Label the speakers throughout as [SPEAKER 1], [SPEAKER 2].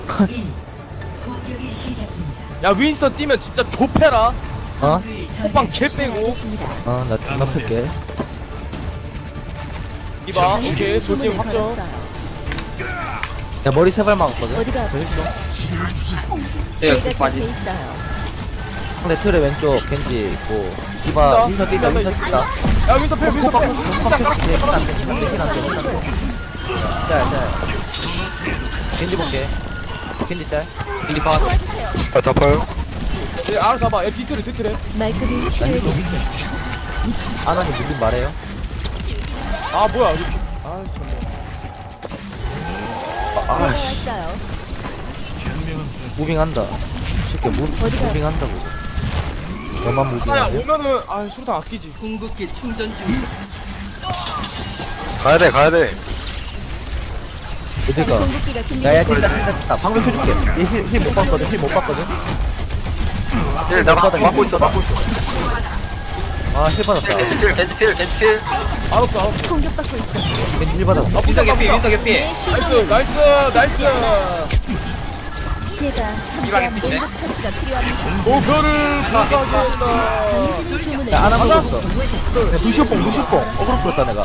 [SPEAKER 1] 야 윈스턴 뛰면 진짜 좁혀라.
[SPEAKER 2] 어?
[SPEAKER 1] 호빵 개 빼고.
[SPEAKER 2] 나 존나 풀게.
[SPEAKER 1] 이봐 오케이 돌팀 확정.
[SPEAKER 2] 야 머리 세발 막았거든.
[SPEAKER 3] 어디가 아프세요?
[SPEAKER 4] 내가
[SPEAKER 3] 제가
[SPEAKER 4] 빠지.
[SPEAKER 3] 곁에 있어요.
[SPEAKER 2] 상대 틀에 왼쪽 겐지 있고 디바 윈서 뛴다 윈서 뛴다.
[SPEAKER 1] 야 윈스턴 패 윈스턴 패.
[SPEAKER 2] 짤짤 겐지 볼게. 겐지 짤.
[SPEAKER 4] 인디 컷.
[SPEAKER 5] 아 덮어요.
[SPEAKER 1] 예 알아서 잡아. 야 뒤틀에 뒤틀에.
[SPEAKER 3] 말끔히 치료해드릴게요.
[SPEAKER 2] 아나님 무슨 말해요?
[SPEAKER 1] 아 뭐야 이렇게. 아 정말.
[SPEAKER 3] 제가 왔어요.
[SPEAKER 2] 무빙한다. 쉽게 무빙한다고. 너만
[SPEAKER 1] 하나야
[SPEAKER 2] 무빙하냐?
[SPEAKER 1] 오면은 아 수류탄 아끼지.
[SPEAKER 4] 궁극기 충전 중.
[SPEAKER 5] 가야돼 가야돼.
[SPEAKER 2] 어딜 가?
[SPEAKER 3] 공격기가
[SPEAKER 2] 야야
[SPEAKER 3] 준비됐습니다.
[SPEAKER 2] 뛴다. 방금 켜줄게. 힐못 봤거든. 힐 못 봤거든.
[SPEAKER 5] 힐 내가 막고 있어 막고 있어.
[SPEAKER 2] 아힐 받았다.
[SPEAKER 5] 겐지필.
[SPEAKER 1] 알았어 알았어.
[SPEAKER 3] 공격받고 있어.
[SPEAKER 2] 겐지 힐 받았다.
[SPEAKER 4] 윈서 개피 윈서 개피.
[SPEAKER 3] 내
[SPEAKER 1] 나이스
[SPEAKER 3] 시종은
[SPEAKER 1] 나이스 나이스.
[SPEAKER 3] 제가 함께한
[SPEAKER 4] 이방에
[SPEAKER 3] 공격 처치가 필요합니다.
[SPEAKER 1] 목표를 부탁한다.
[SPEAKER 3] 강해지는 주문을
[SPEAKER 2] 야, 하나 먹었어. 야, 루시오뽕. 어그로 풀었다, 내가.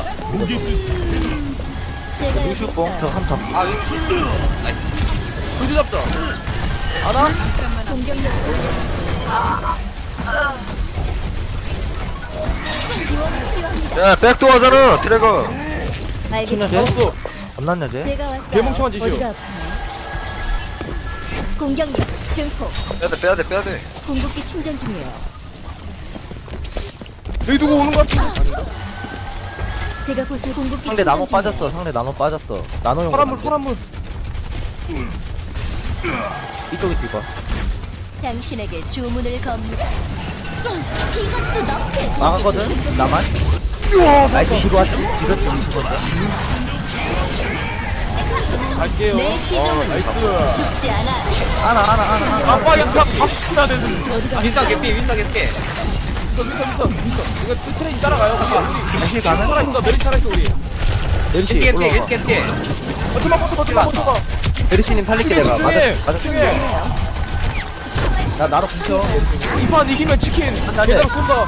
[SPEAKER 3] 제가
[SPEAKER 2] 루시오뽕,
[SPEAKER 3] 여기
[SPEAKER 2] 저
[SPEAKER 3] 있어요.
[SPEAKER 2] 한 잡.
[SPEAKER 4] 아 윈서. 나이스.
[SPEAKER 1] 불주 잡자. 하나.
[SPEAKER 3] 공격력 지원이 필요합니다.
[SPEAKER 5] 야 백도 하잖아 트레거.
[SPEAKER 3] 알겠습니다.
[SPEAKER 2] 돼?
[SPEAKER 1] 알았어.
[SPEAKER 2] 겁났냐, 쟤?
[SPEAKER 3] 제가 왔어요.
[SPEAKER 1] 개멍청한 짓이요.
[SPEAKER 3] 어디가 아프세요? 공격력 증폭.
[SPEAKER 5] 빼야돼.
[SPEAKER 3] 궁극기 충전 중이에요.
[SPEAKER 1] 여기 누구 오는 거 같은데?
[SPEAKER 3] 제가 곳에 궁극기
[SPEAKER 2] 상대 나노
[SPEAKER 3] 충전
[SPEAKER 2] 빠졌어, 상대 나노 빠졌어. 나노용.
[SPEAKER 1] 파란물.
[SPEAKER 2] 이쪽에 뒤봐.
[SPEAKER 3] 당신에게 주문을 겁니다. 이것도 너프의
[SPEAKER 2] 망하거든? 나만? 나이스, 뒤로 왔지? 뒤로 뒤집었다.
[SPEAKER 1] 갈게요.
[SPEAKER 3] 내 시종은
[SPEAKER 1] 나이스.
[SPEAKER 3] 죽지 않아.
[SPEAKER 2] 하나.
[SPEAKER 1] 아빠 양상 박수나 되는.
[SPEAKER 3] 어디가
[SPEAKER 4] 윈서 개피 윈서 개피.
[SPEAKER 1] 미스터. 이거 트레인 따라가요.
[SPEAKER 2] 힐 가는?
[SPEAKER 1] 살아있어. 메리 살아있어 우리.
[SPEAKER 2] 메르시,
[SPEAKER 4] 겐지 개피
[SPEAKER 2] 올라와봐.
[SPEAKER 4] 겐지 개피.
[SPEAKER 1] 버텨봐.
[SPEAKER 2] 메르시님 살릴게, 내가. 맞아.
[SPEAKER 1] 중에.
[SPEAKER 2] 나, 나도 붙여.
[SPEAKER 1] 이판 이기면 치킨.
[SPEAKER 2] 안 돼.
[SPEAKER 1] 제대로 쏜다.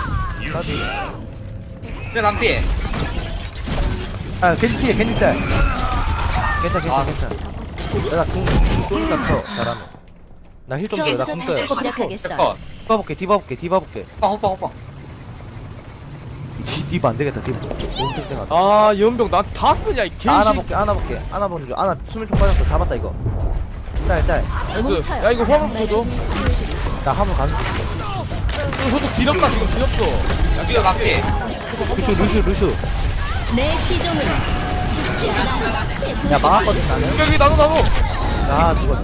[SPEAKER 4] 트레 반피.
[SPEAKER 2] 아, 겐지 짤.
[SPEAKER 4] 아.
[SPEAKER 2] 괜찮아. 내가 쏘니까 쳐. 잘하네. 나 힐 좀 줘, 나
[SPEAKER 3] 저기서
[SPEAKER 2] 궁
[SPEAKER 3] 다시
[SPEAKER 2] 떠요.
[SPEAKER 3] 시작하겠어.
[SPEAKER 4] 컷.
[SPEAKER 2] 디바 볼게.
[SPEAKER 4] 호빵.
[SPEAKER 2] 디바 안 되겠다, 디바. 너무 땡땡하다.
[SPEAKER 1] 아 연병 나 다 쓰냐 이 개식.
[SPEAKER 2] 하나 볼게. 하나 보는 중. 하나 숨을 좀 빠졌어. 잡았다, 이거. 짤.
[SPEAKER 1] 나이스. 야 이거 화물 보죠.
[SPEAKER 2] 나 화물 가는 중.
[SPEAKER 1] 저쪽 뒤덮다 지금 뒤덮어.
[SPEAKER 4] 뒤에 반피.
[SPEAKER 2] 루슈.
[SPEAKER 3] 내 시종은 죽지 않아.
[SPEAKER 2] 야, 막았거든, 나는.
[SPEAKER 1] 여기 나도.
[SPEAKER 2] 야, 누가.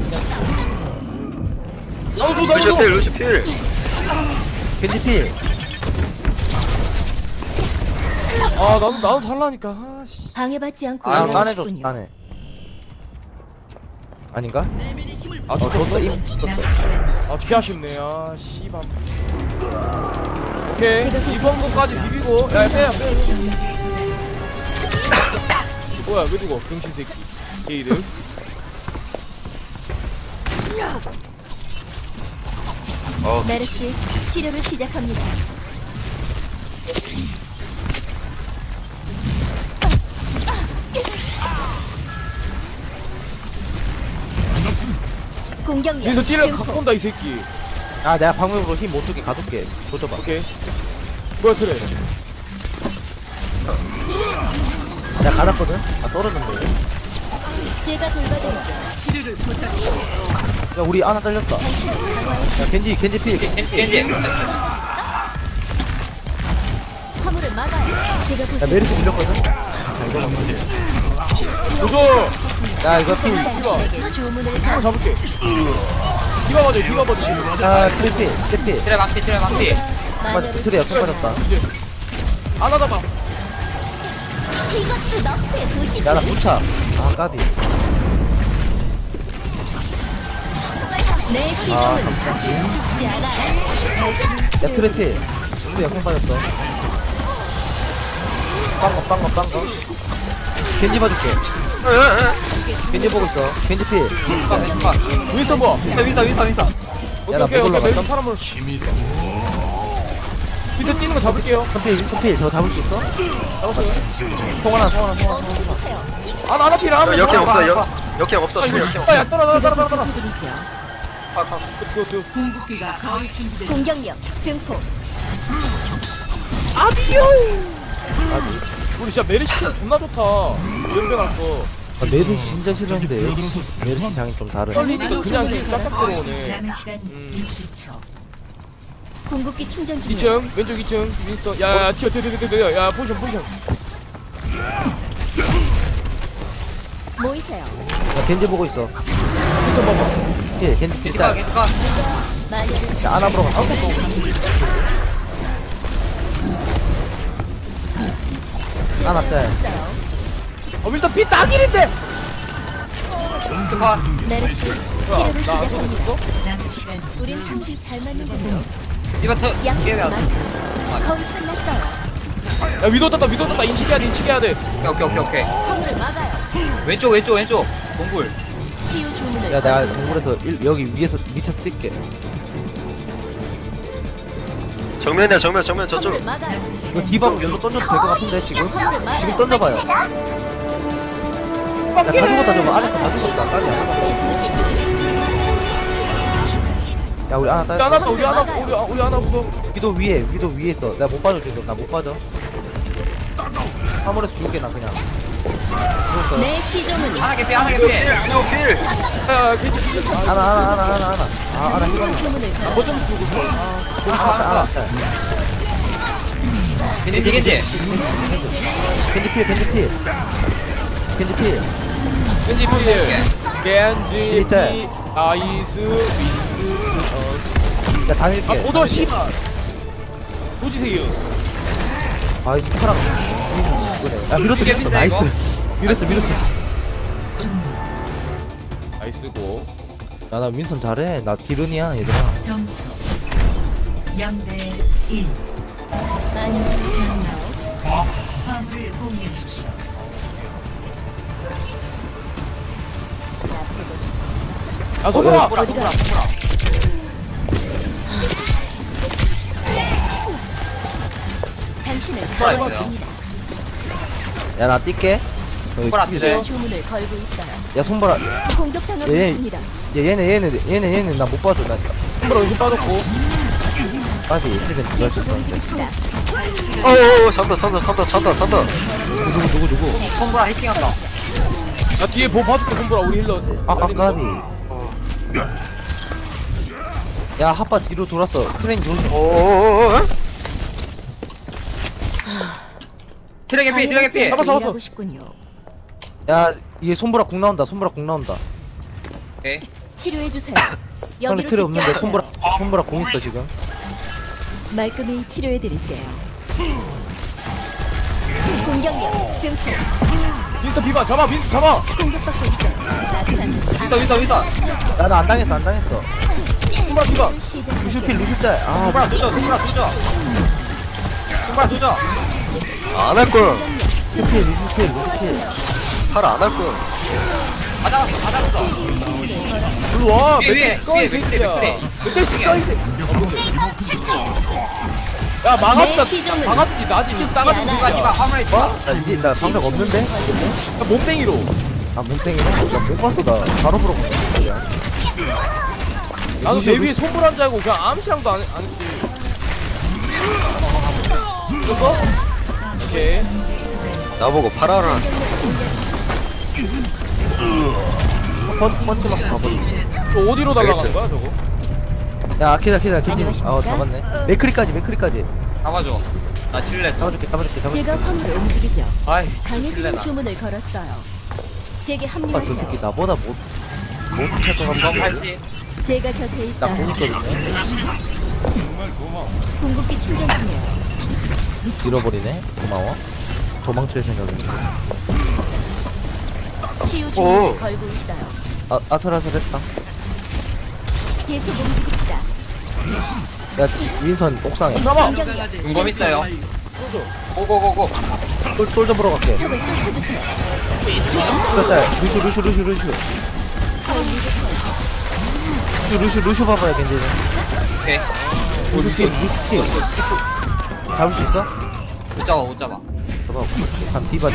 [SPEAKER 1] 나도.
[SPEAKER 5] 루시필.
[SPEAKER 2] 겐지 필.
[SPEAKER 1] 아 나도 달라니까. 아씨.
[SPEAKER 3] 방해받지 않고
[SPEAKER 4] 아,
[SPEAKER 2] 따내줘,
[SPEAKER 3] 일하십군요.
[SPEAKER 2] 따내. 아닌가?
[SPEAKER 1] 아
[SPEAKER 2] 줬어?
[SPEAKER 1] 죽었어.
[SPEAKER 2] 줬어.
[SPEAKER 1] 아 피하쉽네. 아 씨발. 오케이. 이번 거까지 비비고. 야 빼. 뭐야 왜 죽어? 병신 새끼. 게이들.
[SPEAKER 3] 메르시 치료를 시작합니다. 공격력
[SPEAKER 1] 여기서 띠를
[SPEAKER 3] 증폭.
[SPEAKER 1] 갖고 온다 이 새끼.
[SPEAKER 2] 아, 내가 방금으로 힘 못 주게 가둘게. 조져봐.
[SPEAKER 1] 오케이. 뭐야 그래.
[SPEAKER 2] 내가 가놨거든? 아, 떨어졌네.
[SPEAKER 3] 제가 돌봐드리죠.
[SPEAKER 2] 야, 우리 하나 잘렸다.
[SPEAKER 3] 당신은 강화했습니다.
[SPEAKER 2] 야, 겐지 필.
[SPEAKER 4] 겐지.
[SPEAKER 3] 화물을 막아요. 제가
[SPEAKER 2] 야,
[SPEAKER 3] 곳에
[SPEAKER 2] 메르시 밀렸거든? 자, 이거 먹자.
[SPEAKER 1] 도저.
[SPEAKER 2] 야, 이거 필.
[SPEAKER 3] 당신에게 주문을
[SPEAKER 1] 이거 잡을게. 디바 맞지.
[SPEAKER 2] 야, 트래필.
[SPEAKER 4] 트레 반피.
[SPEAKER 2] 트래 옆에 빠졌다.
[SPEAKER 1] 이제 안 하다가.
[SPEAKER 3] 이것도 너프의 도시지.
[SPEAKER 2] 야, 나 붙여. 아, 까비.
[SPEAKER 3] 내 시종은 죽지 않아.
[SPEAKER 2] 야, 트래필. 트래 옆에 빠졌어. 빵거. 겐지 봐줄게. 겐지 보고 있어. 겐지 필.
[SPEAKER 1] 윈스턴 뭐?
[SPEAKER 4] 윈서.
[SPEAKER 1] 오케이
[SPEAKER 2] 나
[SPEAKER 1] 오케이
[SPEAKER 2] 못
[SPEAKER 1] 오케이
[SPEAKER 2] 올라갔다.
[SPEAKER 1] 난 파란물 윈스턴 뛰는 거 잡을게요.
[SPEAKER 2] 필. 저거 잡을 수 있어?
[SPEAKER 1] 잡았어요.
[SPEAKER 2] 통 하나.
[SPEAKER 3] 멈춰주세요.
[SPEAKER 1] 아나 필 하나.
[SPEAKER 5] 역행 없어
[SPEAKER 4] 아,
[SPEAKER 5] 역행 없어
[SPEAKER 1] 아 이거
[SPEAKER 5] 역행
[SPEAKER 1] 야 떨어져.
[SPEAKER 3] 분들이죠. 공격력 증폭.
[SPEAKER 1] 우리 진짜 메리시 존나 좋다. 연병할 거.
[SPEAKER 2] 아, 메르시 진짜 싫었는데 메르시 장이 좀 다르네.
[SPEAKER 1] 떨리니까 그냥 쫙쫙 들어오네.
[SPEAKER 3] 궁극기 충전 중이에요.
[SPEAKER 1] 2층 왼쪽 2층 윈스턴. 야야 튀어. 야 포지션.
[SPEAKER 3] 모이세요.
[SPEAKER 2] 야, 겐지 보고 있어.
[SPEAKER 1] 윈스턴 봐봐.
[SPEAKER 2] 필. 겐지 필. 야,
[SPEAKER 3] 마녀를
[SPEAKER 2] 하나 보러 가. 하나 짤.
[SPEAKER 1] 윈스턴 피 딱일인데.
[SPEAKER 3] 메르시 치료를
[SPEAKER 1] 나
[SPEAKER 3] 시작합니다.
[SPEAKER 1] 쏘
[SPEAKER 3] 우린 상대 잘 맞는 거죠.
[SPEAKER 4] 이마트
[SPEAKER 3] 양
[SPEAKER 4] 게임해야 돼.
[SPEAKER 3] 거의 끝났어요.
[SPEAKER 1] 야 위도 떴다 인식해야 돼.
[SPEAKER 4] 오케이.
[SPEAKER 3] 화물을 막아요.
[SPEAKER 4] 왼쪽. 동굴.
[SPEAKER 3] 치유 주문을
[SPEAKER 2] 야, 내가
[SPEAKER 3] 걸고
[SPEAKER 2] 동굴에서 여기 밑에서 뛸게.
[SPEAKER 5] 정면이야 정면 저쪽
[SPEAKER 3] 화물을 막아요.
[SPEAKER 2] 이거 디바로 연도 던져도 될 것 같은데 지금? 지금 던져봐요. 야, 다 죽었다 저거. 안에 거다 죽었다. 까지 야, 우리 하나 따.
[SPEAKER 1] 하나 우리 하나 없어.
[SPEAKER 2] 위도 위에 있어. 내가 못 빠져 지금. 나 못 빠져. 화물에서 죽을게 나 그냥. 죽었어.
[SPEAKER 3] 내 시종은
[SPEAKER 4] 하나 개피.
[SPEAKER 1] 야 괜히
[SPEAKER 2] 하나. 아, 하나 힘.
[SPEAKER 3] 주문을 걸어.
[SPEAKER 1] 거점 주고.
[SPEAKER 2] 하나.
[SPEAKER 4] 겐지.
[SPEAKER 2] 겐지 필.
[SPEAKER 1] 겐지 필. 아이스 윈스.
[SPEAKER 2] 야, 당일게.
[SPEAKER 1] 도저 씨발. 도지세요.
[SPEAKER 2] 아, 이 스파랑. 이거네. 야, 밀었어.
[SPEAKER 4] 이게
[SPEAKER 2] 나이스.
[SPEAKER 4] 이거?
[SPEAKER 2] 밀었어.
[SPEAKER 1] 나이스고.
[SPEAKER 2] 야, 나 윈선 잘해. 나 디른이야, 얘들아.
[SPEAKER 6] 점수 0대 1. 화물을 공유하십시오.
[SPEAKER 1] 야 소보라.
[SPEAKER 3] 어디가? 당신을
[SPEAKER 4] 있어요.
[SPEAKER 3] 걸었습니다.
[SPEAKER 2] 야, 나 뛸게.
[SPEAKER 4] 손보라
[SPEAKER 3] 치유 주문을 걸고 있어요.
[SPEAKER 2] 야, 손보라.
[SPEAKER 3] 공격당하고
[SPEAKER 2] 예.
[SPEAKER 3] 있습니다.
[SPEAKER 2] 얘는 나 못 봐줘. 나
[SPEAKER 1] 손보라 힘 빠졌고.
[SPEAKER 2] 빠지. 힐벤 누가
[SPEAKER 3] 계속
[SPEAKER 2] 했을
[SPEAKER 3] 움직입시다.
[SPEAKER 5] 어어 산다
[SPEAKER 2] 누구?
[SPEAKER 4] 손보라 해킹한다.
[SPEAKER 1] 야 뒤에 보 봐줄게 손보라 우리 힐러.
[SPEAKER 2] 까비. 야, 핫바 뒤로 돌았어. 트레인 돌.
[SPEAKER 5] 어어어어
[SPEAKER 4] 트랙 개피.
[SPEAKER 1] 잡았어.
[SPEAKER 3] 하고 싶군요.
[SPEAKER 2] 야, 얘 손보라 궁 나온다.
[SPEAKER 4] 오케이.
[SPEAKER 3] 치료해 주세요.
[SPEAKER 2] 상대
[SPEAKER 3] 여기로
[SPEAKER 2] 틀에 없는데
[SPEAKER 3] 집결하세요.
[SPEAKER 2] 손보라 궁 있어 지금.
[SPEAKER 3] 말끔히 치료해 드릴게요. 공격력 증폭.
[SPEAKER 1] 윈스터 비바 잡아.
[SPEAKER 3] 공격받고 있어요.
[SPEAKER 4] 윈서.
[SPEAKER 2] 야, 나 안 당했어.
[SPEAKER 1] 손보라 비바.
[SPEAKER 2] 루시필 루시짤. 아,
[SPEAKER 4] 손보라 도저.
[SPEAKER 5] 안할거야
[SPEAKER 2] 루시필.
[SPEAKER 5] 팔 안할거야
[SPEAKER 4] 다 잡았어.
[SPEAKER 1] 일로 와.
[SPEAKER 4] 위에,
[SPEAKER 1] 멧돼지 꺼, 이
[SPEAKER 4] 위에,
[SPEAKER 1] 새끼야.
[SPEAKER 4] 위에.
[SPEAKER 1] 멧돼지 꺼, 이 새끼야. 야
[SPEAKER 3] 내 시종은
[SPEAKER 1] 막았지 나지
[SPEAKER 3] 죽지
[SPEAKER 1] 싸가지
[SPEAKER 3] 않아요.
[SPEAKER 1] 누가
[SPEAKER 4] 화물에 있어.
[SPEAKER 2] 나 방벽 없는데?
[SPEAKER 1] 몸땡이로.
[SPEAKER 2] 아, 몸땡이네? 나못 봤어. 나 바로 보러 갔어.
[SPEAKER 1] 나도 내 위에 손불한 줄 알고 그냥 암시랑도 안 했지. 이거? 오케이.
[SPEAKER 5] 나보고 팔아라
[SPEAKER 2] 펀치 맞고 가버리.
[SPEAKER 1] 저 어디로 날아간
[SPEAKER 5] 알겠지.
[SPEAKER 1] 거야 저거?
[SPEAKER 2] 야, 아키다 겐지.
[SPEAKER 3] 안녕하십니까?
[SPEAKER 2] 잡았네. 맥크리까지.
[SPEAKER 4] 잡아줘. 나 칠레.
[SPEAKER 2] 잡아줄게.
[SPEAKER 3] 제가 화물을 움직이죠.
[SPEAKER 4] 아이.
[SPEAKER 3] 강해지는
[SPEAKER 4] 칠레나.
[SPEAKER 3] 주문을 걸었어요. 제게
[SPEAKER 2] 아, 저
[SPEAKER 3] 합류하세요.
[SPEAKER 2] 새끼 나보다 못할 것
[SPEAKER 4] 저
[SPEAKER 2] 같은데.
[SPEAKER 4] 80.
[SPEAKER 3] 제가 곁에
[SPEAKER 2] 나
[SPEAKER 3] 있어요.
[SPEAKER 2] 공 있거든요.
[SPEAKER 3] 궁극기 충전 중이에요.
[SPEAKER 2] 잃어버리네. 고마워. 도망칠 생각인데.
[SPEAKER 3] 치유 주문을
[SPEAKER 5] 오.
[SPEAKER 3] 걸고 있어요.
[SPEAKER 2] 아, 아슬아슬했다.
[SPEAKER 3] 계속 움직입시다.
[SPEAKER 2] 야, 윈선 옥상에.
[SPEAKER 1] 잡아.
[SPEAKER 3] 공격력
[SPEAKER 4] 은검 있어요.
[SPEAKER 1] 쏘죠.
[SPEAKER 4] 고고고고.
[SPEAKER 2] 솔좀 보러 갈게.
[SPEAKER 3] 적을 쫓아주세요.
[SPEAKER 2] 짤. 루슈 봐봐요 겐지는.
[SPEAKER 4] 오케이.
[SPEAKER 2] 루슈 팀. 잡을 수 있어?
[SPEAKER 4] 못 잡아 못 잡아.
[SPEAKER 2] 잡아. 참 디바.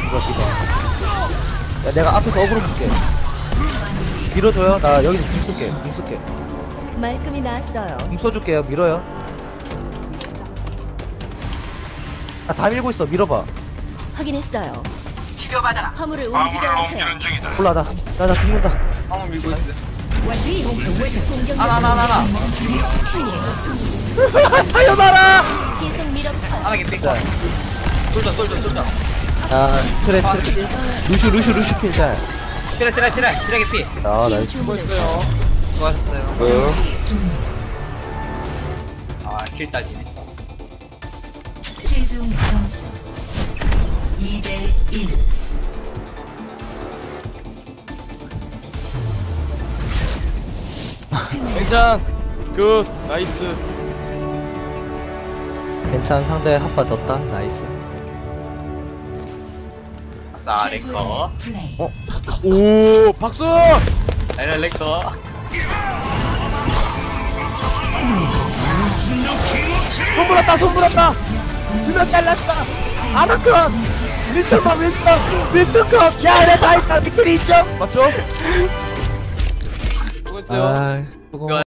[SPEAKER 2] 야 내가 앞에서 어그로 볼게. 밀어줘요. 나 여기서 궁 쓸게.
[SPEAKER 3] 말끔히 나았어요.
[SPEAKER 2] 궁 써줄게요. 밀어요. 다 밀고 있어. 밀어봐.
[SPEAKER 3] 확인했어요. 화물을 움직여야 해요.
[SPEAKER 2] 몰라 나 죽는다.
[SPEAKER 4] 한번 밀고 있어.
[SPEAKER 3] 공격
[SPEAKER 4] 하나.
[SPEAKER 2] 살려놔라.
[SPEAKER 3] 계속 밀어붙여.
[SPEAKER 4] 하나 개피. 쏠자.
[SPEAKER 2] 아 트레. 루슈 필살.
[SPEAKER 4] 트레 개피.
[SPEAKER 2] 아
[SPEAKER 3] 치유
[SPEAKER 2] 나이스.
[SPEAKER 3] 주문을
[SPEAKER 4] 수고하셨어요. 킬 따지네.
[SPEAKER 6] 최종 점수 2대 1.
[SPEAKER 1] 괜찮. 굿. 나이스.
[SPEAKER 2] 괜찮. 상대 한파 졌다. 나이스.
[SPEAKER 4] 아싸 랭커.
[SPEAKER 6] 플레이.
[SPEAKER 1] 오, 박수!
[SPEAKER 4] 나이는 랭커.
[SPEAKER 1] 손 불었다! 두명 잘랐어! 아나컷! 미스터 컷! 야, 내 다이다 미끌이 있죠? 맞죠? 수고했어요.
[SPEAKER 2] 아 수고.